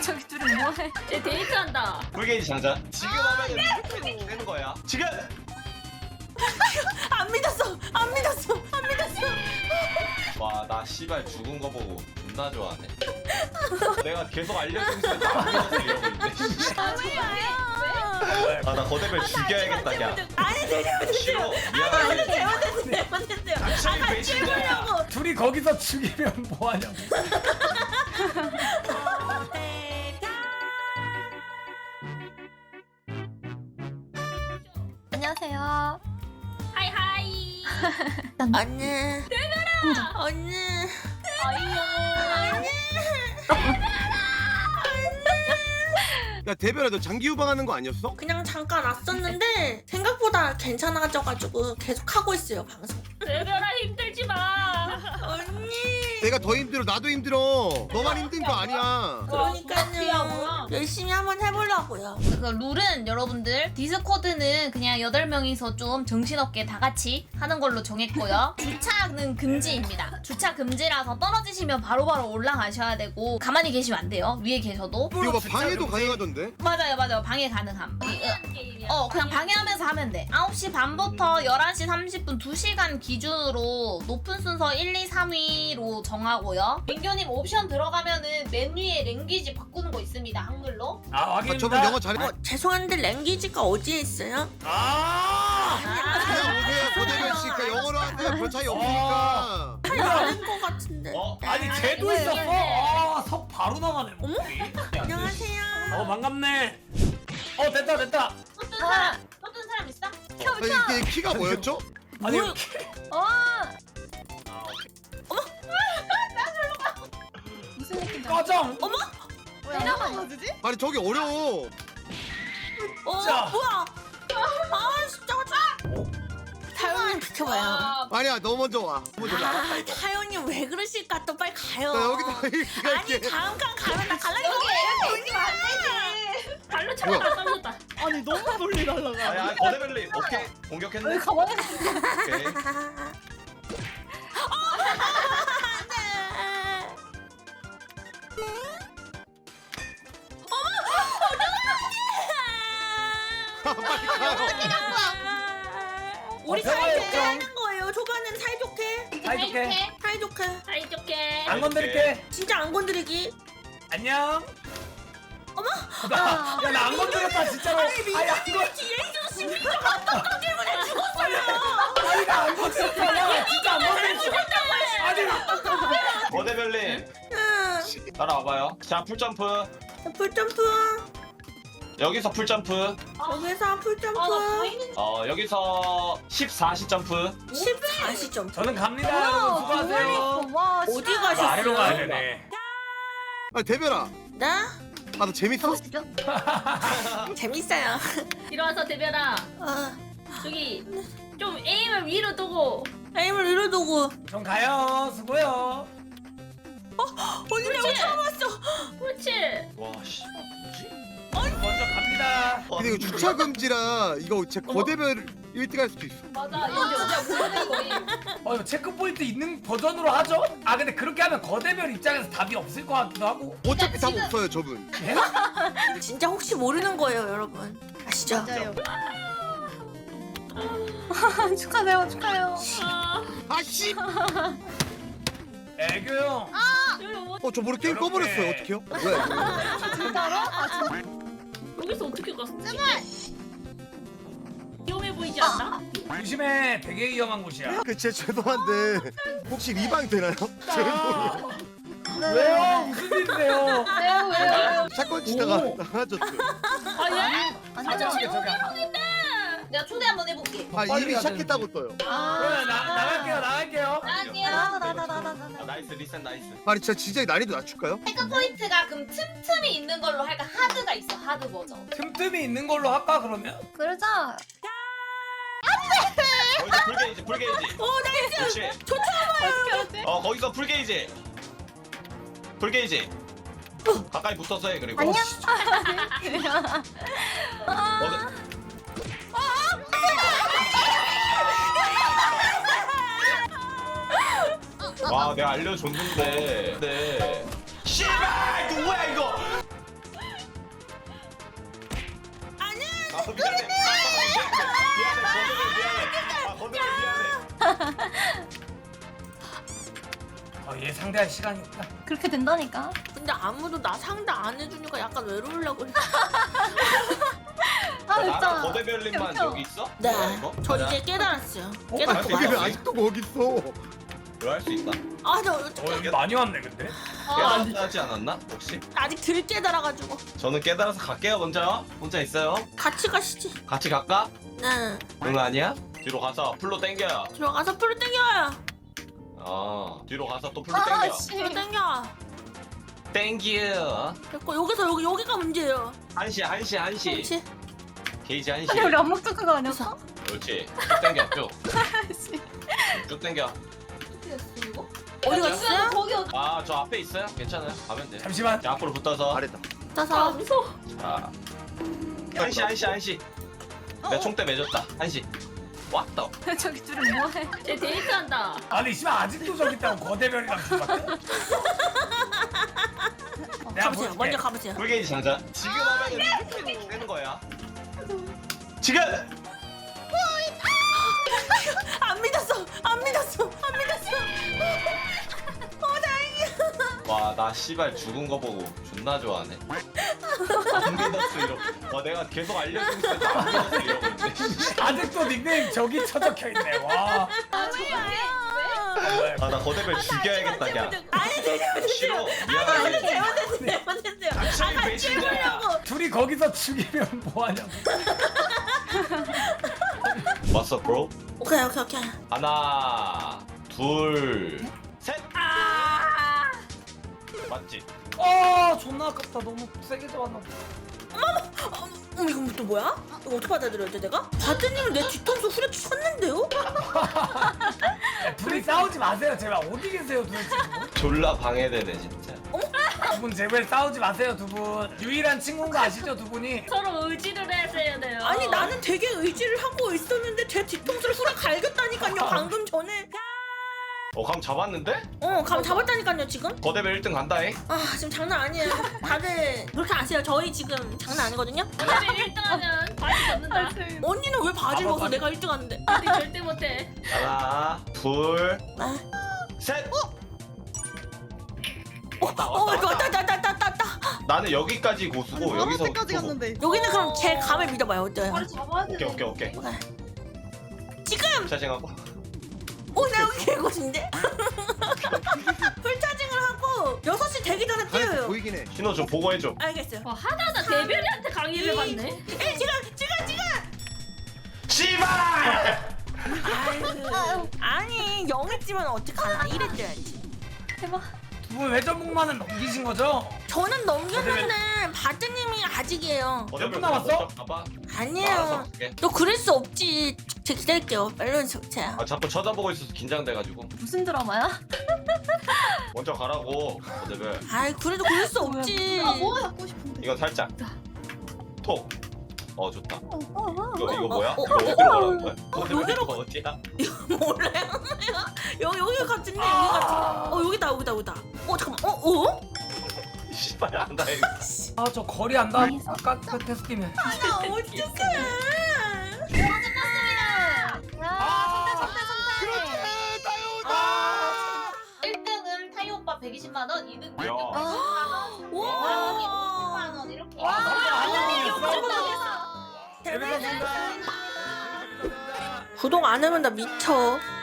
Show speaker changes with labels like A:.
A: 저기 둘이 뭐해?
B: 쟤 데이트한다.
C: 불게이지 장전. 지금 하면은 무조건 되는 거야. 지금.
D: 안 믿었어. 안 믿었어. 안 믿었어.
C: 와, 나 씨발 죽은 거 보고 존나 좋아하네. 내가 계속 알려주면서 나안 믿었어 이러고 있네. 아, 나 거대별 죽여야겠다, 야.
D: 아니 내려오세요.
C: 싫어. 미안해.
D: 잘못했어요.
C: 당신이
D: 같이
C: 배신자야.
D: 해보려고.
E: 둘이 거기서 죽이면 뭐하냐고.
A: 안녕하세요.
B: 하이하이.
D: 언니. 언니.
F: 야 대별아 너 장기 유방하는 거 아니었어?
D: 그냥 잠깐 왔었는데 생각보다 괜찮아져가지고 계속 하고 있어요 방송.
B: 대별아 힘들지 마.
D: 언니.
F: 내가 더 힘들어 나도 힘들어 너만 힘든 거 아니야.
D: 그러니까요. 열심히 한번 해보려고요.
G: 그 룰은 여러분들 디스코드는 그냥 8명이서 좀 정신없게 다 같이 하는 걸로 정했고요. 주차는 금지입니다. 주차 금지라서 떨어지시면 바로바로 올라가셔야 되고 가만히 계시면 안 돼요. 위에 계셔도.
F: 이거 막 방해도 가능하던데?
G: 맞아요 방해 가능함.
B: 게임이야.
G: 그냥 방해하면서 하면 돼. 9시 반부터 11시 30분 2시간 기준으로 높은 순서 1, 2, 3위로 정하고요. 민규님 옵션 들어가면은 맨 위에 랭귀지 바꾸는 거 있습니다. 한글로.
E: 아
F: 아,
E: 확인입니다.
F: 저분 영어 잘해?
D: 죄송한데 랭귀지가 어디에 있어요?
F: 그냥 오세요 거대별 씨 그러니까 영어로 하세요 별 차이 없으니까.
D: 다른 거 같은데.
E: 아니 쟤도
B: 이거,
E: 있었어.
B: 이거.
E: 석 바로 나가네. 목소리.
D: 안녕하세요.
E: 반갑네. 됐다.
G: 어떤 사람 있어?
F: 아니 이게 키가 뭐였죠?
E: 아니
D: 뭐야?
A: 무슨 느낌인지
E: 꺼정.
F: 아니 저기 어려워.
E: 자.
D: 뭐야? 아 진짜. 타요님 비켜봐요.
F: 아니야 너 먼저 와. 먼저 와.
D: 타요님 왜 그러실까? 또 빨리 가요.
F: 나 여기다 이렇게
D: 아니 다음 칸 가면 나 갈라니까.
B: 발로 차다 떨렸다.
H: 아니 너무 멀리 날라가.
C: 아야, 거대별님. 오케이. 공격했네.
A: 가만히
C: 오케이.
F: 빨리 가요.
D: 우리
E: 평화의
D: 사이좋게
E: 역정.
D: 하는 거예요. 초반엔 사이좋게.
E: 사이좋게.
D: 사이좋게.
B: 사이좋게.
E: 안 건드릴게.
D: 진짜 안 건드리기.
E: 안녕. 야 나 안 건드렸다 진짜로. 아니 안 건.
D: 뒤에 있었으면 미쳐가 어떤 때문에 죽었어요.
E: 아니 나 안 건드렸다. 야 진짜 안 건드렸어. 아니.
C: 거대별님. 따라와봐요. 자, 풀점프.
D: 풀점프.
C: 여기서 풀점프.
D: 여기서 풀점프.
C: 여기서 14시 점프.
D: 14시점.
E: 저는 갑니다 여러분 수고하세요.
A: 와,
D: 어디
A: 진짜.
E: 아래로 가야
D: 가셨어요?
E: 되네.
F: 아니 대별아.
D: 나?
F: 아 너 재밌어?
D: 재밌어요.
B: 일어나서 대별아. 저기 좀 에임을 위로 두고.
D: 에임을 위로 두고.
E: 전 가요. 수고요.
D: 언니 내가 처음 왔어.
B: 그렇지.
C: 와, 씨.
E: 먼저 갑니다.
F: 근데 이거 주차 금지라 이거 제 거대별 1등 할 수도 있어.
B: 맞아. 이거 진짜 무서운 거임.
E: 이거 체크 포인트 있는 버전으로 하죠? 아 근데 그렇게 하면 거대별 입장에서 답이 없을 것 같기도 하고.
F: 어차피 답 없어요 저분.
D: 진짜 혹시 모르는 거예요, 여러분. 아시죠?
A: 맞아요. 축하해요, 축하해요.
F: 아씨.
E: 애교 형.
F: 저 모르게 게임 꺼버렸어요. 어떡해요? 뭐야 이거.
A: 진짜로?
B: 여기서 어떻게 갔어? 제발. 위험해 보이지 않나?
E: 조심해. 되게 위험한 곳이야.
F: 그 진짜 죄송한데 혹시 리방 되나요? 죄송해요.
E: 왜요? 무슨 일이세요?
A: 왜요?
F: 사건 치다가
E: 오.
F: 나가졌어요.
B: 아 예?
E: 저기 저기.
G: 내가 초대 한번 해볼게.
F: 아
E: 빨리
F: 이미
E: 가야
F: 시작했다고 떠요.
E: 그러면 나갈게요.
G: 나갈게요.
C: 나이스, 리셋 나이스.
F: 아니 진짜 난이도 낮출까요?
G: 체크 포인트가 그럼 틈틈이 있는 걸로 할까? 하드가 있어 하드 버전.
E: 틈틈이 있는 걸로 할까 그러면?
A: 그러자.
C: 거기서 풀게이지, 풀게이지.
D: 나이스.
C: 그렇지.
A: 어떻게 하지?
C: 거기서 풀게이지. 풀게이지. 가까이 붙어서 해, 그리고.
A: 안녕.
C: 어디- 와, 내가 알려줬는데. 네. 씨발! 이거 뭐야, 이거! 미안해. 미안해. 거대별 미안해.
E: 얘 상대할 시간이 없다.
A: 그렇게 된다니까.
D: 근데 아무도 나 상대 안 해주니까 약간 외로우려고 그래.
A: 아
C: 나랑
A: 진짜.
C: 거대별님만
A: 펴.
C: 여기 있어?
D: 네.
C: 뭐야, 이거?
D: 저
C: 가자.
D: 이제 깨달았어요.
F: 아
D: 깨닫고
F: 되게
D: 가요.
F: 아직도 거기 있어.
C: 이거 할 수 있나?
D: 아, 저
E: 여기 많이 왔네 근데.
C: 깨달았지 않았나? 혹시?
D: 아직 덜 깨달아가지고.
C: 저는 깨달아서 갈게요 먼저. 혼자 있어요.
D: 같이 가시지.
C: 같이 갈까?
D: 네.
C: 응 아니야? 뒤로 가서 풀로 땡겨.
D: 들어가서 풀을 땡겨요.
C: 뒤로 가서 또 풀로
A: 아
C: 땡겨.
A: 씨.
D: 풀을 땡겨.
C: 땡겨.
D: 됐고 여기서 여기가 문제예요.
C: 한시.
D: 그렇지.
C: 게이지 한시.
A: 아니 우리 안 먹던 그거 아니었어?
C: 그렇지. 쭉 땡겨 쭉.
A: 씨.
C: 쭉 땡겨.
D: 어디 갔어요?
A: 거기 어디?
C: 저 앞에 있어요. 괜찮아요. 가면 돼.
E: 잠시만.
C: 자 앞으로 붙어서.
F: 잘했다.
D: 따서.
B: 무서워.
C: 자. 한시. 내가 총대 맺었다. 한시. 왔다.
A: 저기 둘이 뭐해?
B: 쟤 데이트한다.
E: 아니 씨발 아직도 저기 있다고 거대별이랑 죽었대? 내가
D: 가보세요.
E: 볼게.
D: 먼저 가보세요.
C: 풀게이지 장자. 지금 하면은 이렇게 되는 거야. 지금.
D: 안 믿었어.
C: 와 나 씨발 죽은 거 보고 존나 좋아하네. 안 믿었어 이러고. 내가 계속 알려주고 있었는데 안 믿었어 이러고 있네.
E: 아직도 닉네임 저기 쳐적혀 있네. 와.
C: 나 거대별 죽여야겠다 그냥.
D: 아니 되죠.
C: 싫어. 미안해.
D: 잘못했어요.
C: 당신이 배신자야.
E: 둘이 거기서 죽이면 뭐하냐고.
C: 왔어 브로?
D: 오케이.
C: 하나 둘 셋. 맞지?
E: 존나 아깝다. 너무 세게 잡았나 보다.
D: 이거 또 뭐야? 이거 어떻게 받아들여야 돼 내가? 바드님을 내 뒤통수 후려쳤는데요?
E: 둘이 싸우지 마세요 제발. 어디 계세요 도대체?
C: 졸라 방해되네 진짜.
E: 두 분 제발 싸우지 마세요 두 분. 유일한 친구인 거 아시죠 두 분이?
B: 서로 의지를 해야 돼요.
D: 아니 나는 되게 의지를 하고 있었는데 제 뒤통수를 후려 갈겼다니까요 방금 전에.
C: 감 잡았는데?
D: 감 잡았다니까요 지금.
C: 거대별 1등 간다잉?
D: 지금 장난 아니에요. 다들 그렇게 아세요? 저희 지금 장난 아니거든요.
B: 거대별 1등하면 바지 벗는다.
D: 언니는 왜 바지를 벗어?
E: 바지.
D: 내가 1등 하는데.
B: 우리 절대 못해.
C: 하나 둘
D: 아.
C: 셋.
D: 왔다.
C: 나는 여기까지 고수고 여기서
H: 때까지 갔는데.
D: 여기는 그럼 제 감을 믿어봐요. 어때요?
A: 잡아야 돼.
C: 오케이
D: 지금.
C: 차징하고.
D: 나 여기 개고신데? 풀차징을 하고 6시 되기 전에
F: 하나
D: 뛰어요.
F: 보이긴 해.
C: 신호 좀 보고해줘.
D: 알겠어요.
B: 와 하다하다 대별이한테 강의를 받네.
D: 지금.
C: 씨발!
D: 아니 영했지만 어떡하나. 이랬어야지.
A: 대박.
E: 두 분 회전목마는 넘기신 거죠?
D: 저는 넘겼는데 바드님이 아직이에요.
E: 몇 분 남았어?
C: 봐봐.
D: 아니에요. 너 그럴 수 없지. 제가 기다릴게요. 멜론 적채야.
C: 자꾸 쳐다보고 있어서 긴장돼가지고.
A: 무슨 드라마야?
C: 먼저 가라고. 거대별.
D: 아이 그래도 그럴 수 없지.
A: 뭐 갖고 싶은데?
C: 이건 살짝. 톡. 좋다. 이거 뭐야?
D: 어,
C: 이거 어디로 가라는 거야? 거대별
D: 여기로
C: 이거 어디야?
D: 몰라요. 여기 같은데 여기 같은. 여기다. 잠깐만.
C: 씨발 안다 이거.
E: 저 거리 안다. 아까 그 테스트면.
D: 나 어떡해.
A: 아,
G: 1등은 타이 오빠 120만 원, 2등
C: 야.
D: 와.
G: 50만 원 이렇게.
E: 레벨 감사합니다.
D: 구독 안 하면 나 미쳐.